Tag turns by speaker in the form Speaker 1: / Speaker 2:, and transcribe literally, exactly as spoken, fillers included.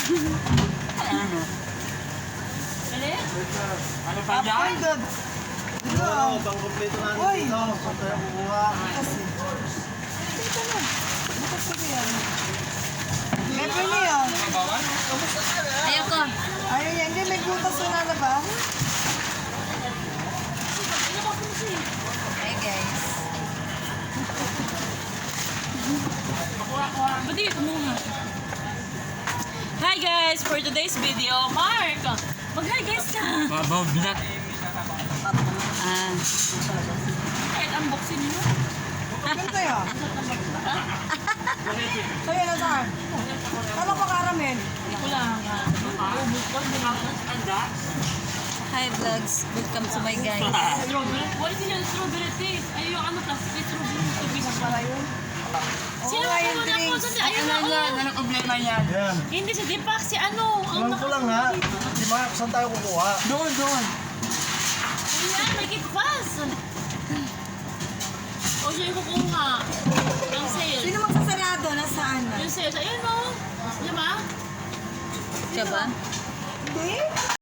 Speaker 1: Ano?
Speaker 2: Dali?
Speaker 1: Ano pa dyan?
Speaker 3: Oo, pang kompleto na dito. Saan tayo kukuha?
Speaker 4: Dito na. Bukas ko yan. Pepper niya.
Speaker 1: Kabawan?
Speaker 2: Ayoko.
Speaker 4: Ayun yan. Hindi, may butas na na ba?
Speaker 2: Hey guys. Pwede kumuha. Hi guys! For today's video, Mark! Mag-hi guys ka!
Speaker 1: Babaw bilat.
Speaker 2: Ah. Kahit unboxing nyo.
Speaker 4: Ganito yun. Sa'yo na saan? Tama pa karamen.
Speaker 2: Ito lang. Hi vlogs! Welcome to my guys. Strawberry? Wala sila strawberry taste. Ay, yung ano, plastic strawberry taste.
Speaker 4: Pala yun.
Speaker 2: Sino
Speaker 4: Oo,
Speaker 2: ang
Speaker 4: yung
Speaker 2: una po
Speaker 4: drinks.
Speaker 2: sa ayun na,
Speaker 1: Ano yan?
Speaker 2: oh.
Speaker 1: Anong problema yan?
Speaker 3: Yan.
Speaker 2: Hindi si Deepak, si ano. Ang
Speaker 3: Alam ko lang ha. Di ba, saan tayo kukuha?
Speaker 1: Doon, doon.
Speaker 2: Ayan, make it fast. O siya yung kukuha. Ang sales.
Speaker 4: Sino magsasarado? Nasaan na?
Speaker 2: Yung sales, ayun o. Diba? Diba?
Speaker 4: Hindi?